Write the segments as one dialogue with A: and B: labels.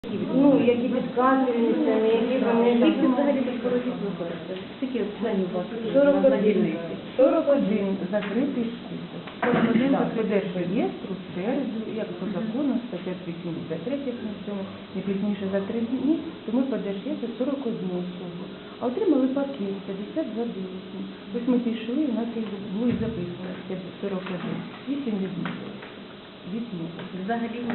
A: Ну, які підказуються, які вони...
B: Скільки взагалі безпорозів виходить? Скільки членів у вас?
A: 41 закритий список.
B: 41
A: закритий реєстру в середу, як по закону, стаття 83 на цьому, не пізніше за 3 дні, тому подержите 41 особу. А отримали пакет 52 бюлетні. Ось ми пішли, у нас їх було і записано 41. 8 відмовили.
B: Взагалі не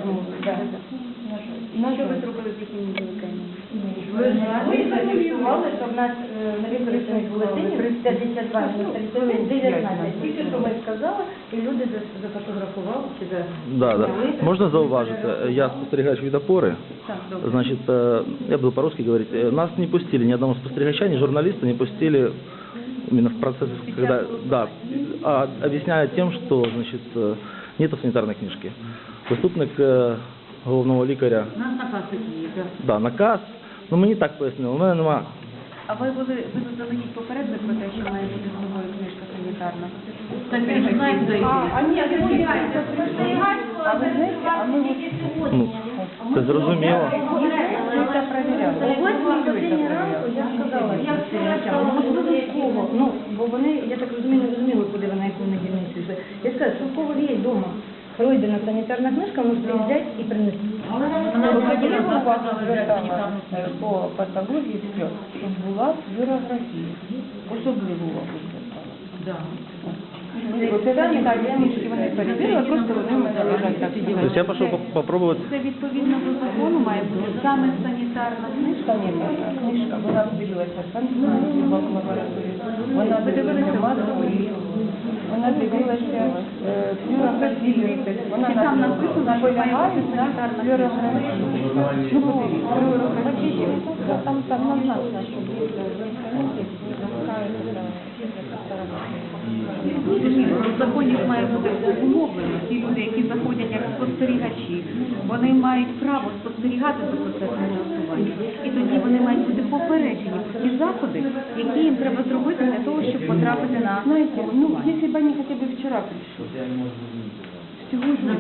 B: Що ви зробили з їхніми бюлетенями?
A: Ви зафіксували, що в нас невикористаних бюлетенів 52 на 19. Тільки що ми сказали, і люди зафотографували чи
C: Да. Можна зауважити, я спостерігач від опори. Значит, я буду по-русски говорить. Нас не пустили, ни одного спостерігача, ни журналиста не пустили именно в процесс, когда, да, объясняя тем, что, значит, нету санитарной книжки. Заступник головного лікаря.
B: У нас наказ такий є, так.
C: Да, наказ. Ну мені так пояснили, у мене нема.
B: А ви заздалегідь попередили про те, що має бути з собою книжка санітарна? Так ви ж знаєте, де
A: А ви знаєте, а ми
C: Ну, це зрозуміло.
A: це перевіряли. Я сказала, як спостерігачам, можливо, в кого, ну, бо вони, я так розумію, не розуміли, куди вона яку недільницю йшли. Я сказала, що в кого є вдома пройдена санітарна книжка, можете взяти і принести. Вона звертала по патології сльоз, щоб була флюорографія. Особливо увагу звертала. Це санітарні книжки вони перевірили, просто вони в мене лежать так.
C: Тобто я пішов попробувати.
B: Це відповідно до закону має бути саме санітарна книжка.
A: Санітарна книжка, вона дивилася санкцію в лабораторії, вона дивилася масові, вона дивилася флюорографію, вона
B: Там написано, що має
A: наполягає
B: бути
A: на
B: санітарна
A: флюорографію. Ну, подивіться, флюорографію. Там назначено, що
B: В законі має бути умовлено. Ті люди, які заходять як спостерігачі, вони мають право спостерігати за процесом голосування. І тоді вони мають бути попереджені про ті заходи, які їм треба зробити для того, щоб потрапити на
A: Знаете, ну,
B: голосування.
A: если бы они хотя бы вчера пришли. Сегодня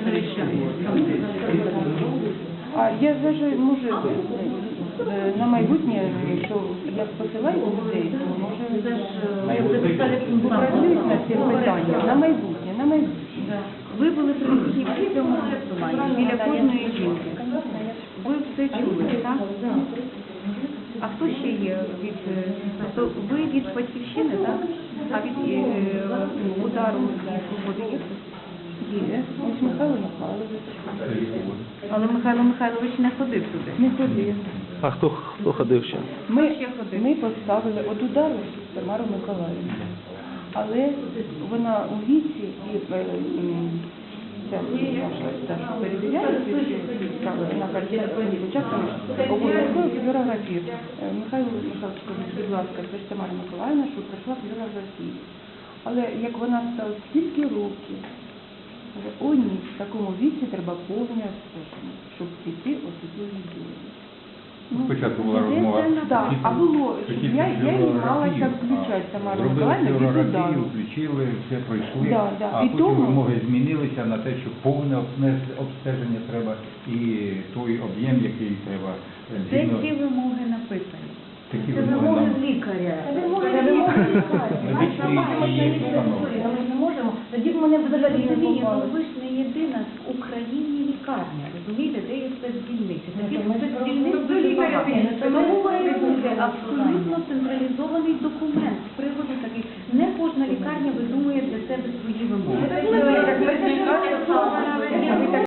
A: А я даже, може, на майбутнє, якщо я посилаю людей, то може попрацюють над цим питанням. На майбутнє.
B: Ви були присутні в цьому голосуванні біля кожної жінки. Ви все чули, так? А хто ще є від... Тобто ви від Батьківщини, так? А від удару свободи є?
A: Є. Ось Михайло Михайлович.
B: Але Михайло Михайлович не ходив туди.
A: Не ходив.
C: А хто ходив ще?
A: Ми поставили от удару Тамару Миколаївну. Але вона у віці і ця наша перевіряє ці справи, вона каже, спочатку обов'язково флюорографію. Михайло Михайлович каже, будь ласка, це ж Тамара Миколаївна, що пройшла флюорографію. Але як вона стала стільки років, о ні, в такому віці треба повне обстеження, щоб піти особливі дії.
D: Спочатку була розмова.
A: Так, а було, я не малася включати Тамару Миколаївну від удару.
D: Флюорографію, включили, все пройшли, а
A: І
D: потім
A: тому-
D: вимоги змінилися на те, що повне обстеження треба і той об'єм, який треба.
B: Де
D: згідно-
B: ці вимоги написані?
D: Такі
A: Це
D: вимоги
A: вимоги
D: нам-
A: з лікаря. Це вимоги лікаря.
D: Медичний і установи.
A: Ми не можемо. Тоді б мене взагалі не
B: Розумієте,
A: попали.
B: ви ж не єдина в Україні лікарня, розумієте, де є спецдільниці. Таких
A: Ми
B: спецдільниць
A: просто
B: дуже
A: лікаря
B: багато.
A: піде,
B: Це
A: ми
B: має
A: говоримо,
B: бути
A: що
B: абсолютно централізований документ з приводу таких. Не кожна лікарня видумує для себе свої вимоги.